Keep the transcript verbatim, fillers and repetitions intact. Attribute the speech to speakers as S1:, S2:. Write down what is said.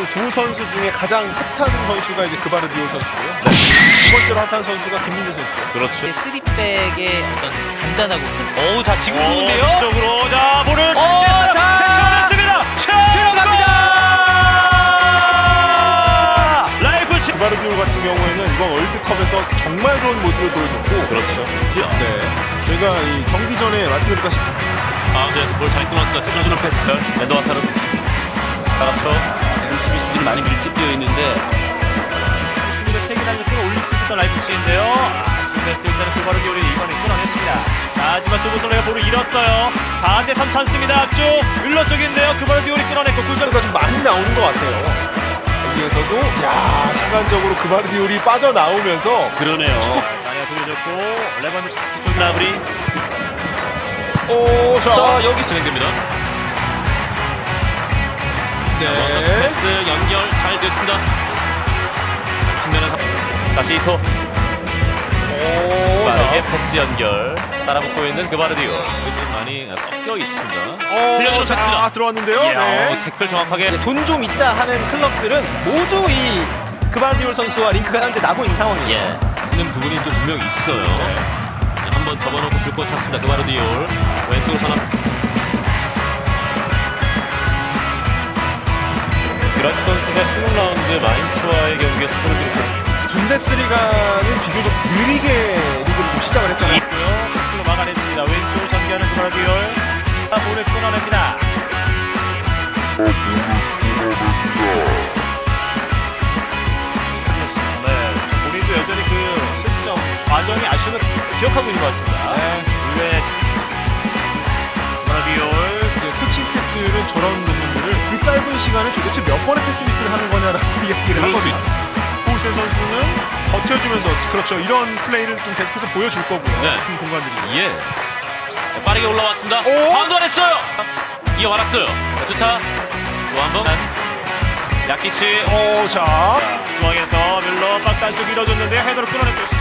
S1: 그 두 선수 중에 가장 핫한 선수가 이제 그바르디올 선수고요. 네. 두 번째로 핫한 선수가 김민재 선수죠.
S2: 그렇죠.
S3: 쓰리백의 어떤 단단하고 큰. 어우, 자 지금 좋은데요?
S2: 쪽으로 자 볼을
S3: 어,
S2: 채-
S3: 자!
S2: 채쳐냈습니다.
S3: 들어갑니다.
S2: 라이프
S1: 그바르디올 같은 경우에는 이번 월드컵에서 정말 좋은 모습을 보여줬고.
S2: 그렇죠.
S1: 네. 저희가 이 경기 전에 말씀드렸다
S2: 가운데에서 볼잘 끊었습니다. 찔러주는 패스. 엔도와타르 알았죠.
S3: 수비수들이 많이 밀집되어 있는데
S2: 수비를 세개 달렸다가 올릴 수 있었던 라이프치히인데요. 패스 일단은 그바르디올이 이번에 끊어냈습니다. 자, 하지만 소보솔레가 볼을 잃었어요. 사 대 삼 찬스입니다. 앞쪽 윌러 쪽인데요. 그바르디올이 끊어냈고 구 점.
S1: 가 좀 많이 나오는 것 같아요. 여기에서도 야 순간적으로 그바르디올이 빠져나오면서
S2: 그러네요. 자리가 돌려줬고 레반드 쪽 라브리.
S1: 오, 자,
S2: 자, 여기 진행됩니다.
S1: 네.
S2: 패스 연결 잘 됐습니다. 측면에 다시 이토.
S1: 오,
S2: 빠르게
S1: 자.
S2: 패스 연결 따라붙고 있는 그바르디오. 좀 많이 섞여 있습니다.
S1: 어,
S2: 흘려주는
S1: 자,
S2: 패스입니다.
S1: 들어왔는데요.
S2: 이야,
S1: 네.
S2: 어, 태클 정확하게.
S3: 돈 좀 있다 하는 클럽들은 모두 이 그바르디올 선수와 링크가 하는데 나고 있는 상황이에요.
S2: 예. 있는 부분이 좀 분명히 있어요. 한번 접어놓고 줄곧 찼습니다. 그바르디올 왼쪽으로 선언. 그라치 선수가 십육 라운드 마인츠와의 경기에서 골을 들였고
S1: 분데스리가는 비교적 느리게 리그를 좀 시작을 했잖아요.
S2: 있고요. 패스로 막아냈습니다. 왼쪽으로 전개하는 그바르디올. 자, 볼을 끊어냅니다. 네, 본인도 여전히 그 실점 과정이 아쉬움을 기억하고 있는 것 같습니다.
S1: 네.
S2: 의외 그바르디올.
S1: 이제 코칭 스태프들은 저런 부분들을 그 짧은 시간에 도대체 몇 번의 패스 미스를 하는 거냐라고 이야기를
S2: 그럴 수
S1: 하거든요. 호세 선수는 버텨주면서 그렇죠. 이런 플레이를 좀 계속해서 보여줄 거고요.
S2: 네.
S1: 같은 공간들이.
S2: 예. 네, 빠르게 올라왔습니다.
S1: 오!
S2: 바운드 안 했어요. 이어받았어요. 자, 좋다. 또 한 번. 야키치.
S1: 오, 자.
S2: 자, 중앙에서 밀러 박스 안쪽 밀어줬는데 헤더로 끊어냈어요.